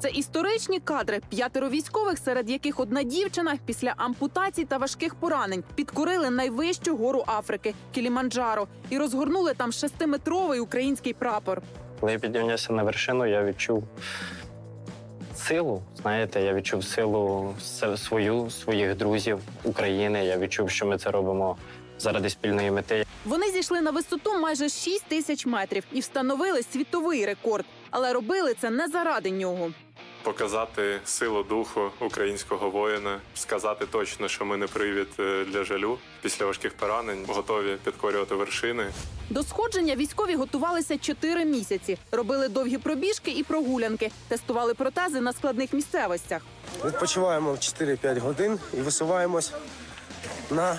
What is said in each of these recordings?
Це історичні кадри. 5 військових, серед яких одна дівчина, після ампутацій та важких поранень підкорили найвищу гору Африки – Кіліманджаро і розгорнули там 6-метровий український прапор. Коли я піднявся на вершину, я відчув силу. Знаєте, я відчув силу своїх друзів, України. Я відчув, що ми це робимо заради спільної мети. Вони зійшли на висоту майже 6 тисяч метрів і встановили світовий рекорд. Але робили це не заради нього. Показати силу духу українського воїна, сказати точно, що ми не привід для жалю. Після важких поранень готові підкорювати вершини. До сходження військові готувалися 4 місяці. Робили довгі пробіжки і прогулянки. Тестували протези на складних місцевостях. Відпочиваємо 4-5 годин і висуваємось на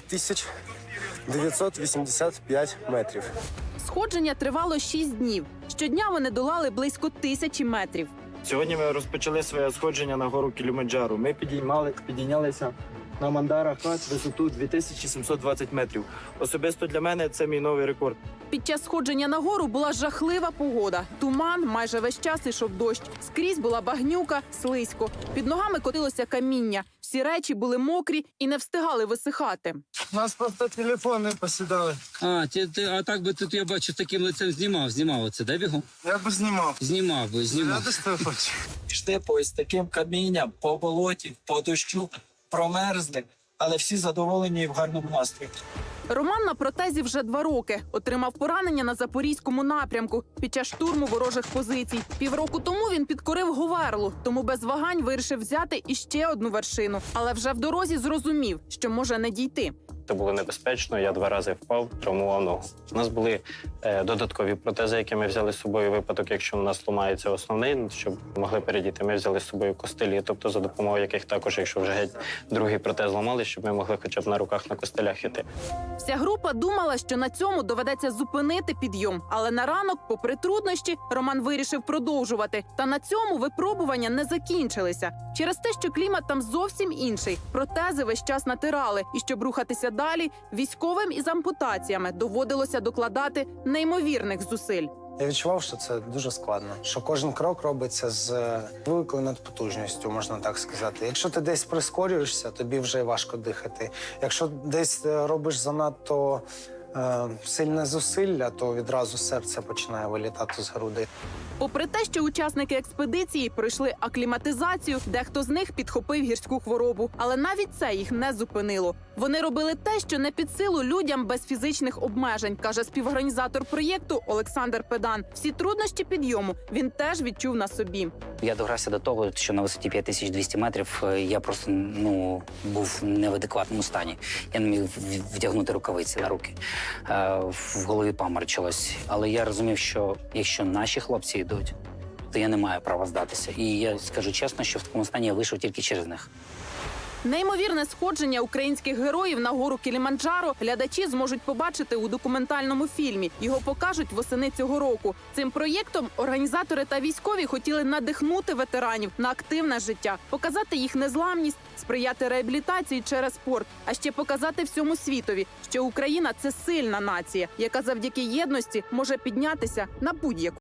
5985 метрів. Сходження тривало 6 днів. Щодня вони долали близько 1000 метрів. Сьогодні ми розпочали своє сходження на гору Кіліманджаро. Ми підійнялися на Мандаро-Хат висоту 2720 метрів. Особисто для мене це мій новий рекорд. Під час сходження на гору була жахлива погода. Туман, майже весь час ішов дощ. Скрізь була багнюка, слизько. Під ногами котилося каміння. Всі речі були мокрі і не встигали висихати. У нас просто телефони посідали. А так би тут, я бачу, таким лицем знімав оце, да, бігом? Я б знімав. Знімав. Йшли по ось таким камінням, по болоті, по дощу, промерзли, але всі задоволені і в гарному настрої. Роман на протезі вже 2 роки. Отримав поранення на Запорізькому напрямку під час штурму ворожих позицій. Півроку тому він підкорив Говерлу, тому без вагань вирішив взяти іще одну вершину. Але вже в дорозі зрозумів, що може не дійти. Це було небезпечно, я 2 рази впав, травмував ногу. У нас були додаткові протези, які ми взяли з собою. Випадок, якщо у нас ламається основний, щоб могли передіти, ми взяли з собою костилі, тобто за допомогою яких також, якщо вже геть другий протез ламали, щоб ми могли хоча б на руках на костилях іти. Вся група думала, що на цьому доведеться зупинити підйом. Але на ранок, попри труднощі, Роман вирішив продовжувати. Та на цьому випробування не закінчилися. Через те, що клімат там зовсім інший. Протези весь час натирали. І щоб рухатися далі, військовим із ампутаціями доводилося докладати неймовірних зусиль. Я відчував, що це дуже складно, що кожен крок робиться з великою надпотужністю, можна так сказати. Якщо ти десь прискорюєшся, тобі вже важко дихати. Якщо десь робиш занадто сильне зусилля, то відразу серце починає вилітати з грудей. Попри те, що учасники експедиції пройшли акліматизацію, дехто з них підхопив гірську хворобу. Але навіть це їх не зупинило. Вони робили те, що не під силу людям без фізичних обмежень, каже співорганізатор проєкту Олександр Педан. Всі труднощі підйому він теж відчув на собі. Я догрався до того, що на висоті 5200 метрів я просто був не в адекватному стані. Я не міг вдягнути рукавиці на руки. В голові паморочилось. Але я розумів, що якщо наші хлопці йдуть, то я не маю права здатися. І я скажу чесно, що в такому стані я вийшов тільки через них. Неймовірне сходження українських героїв на гору Кіліманджаро глядачі зможуть побачити у документальному фільмі. Його покажуть восени цього року. Цим проєктом організатори та військові хотіли надихнути ветеранів на активне життя, показати їх незламність, сприяти реабілітації через спорт, а ще показати всьому світові, що Україна – це сильна нація, яка завдяки єдності може піднятися на будь-яку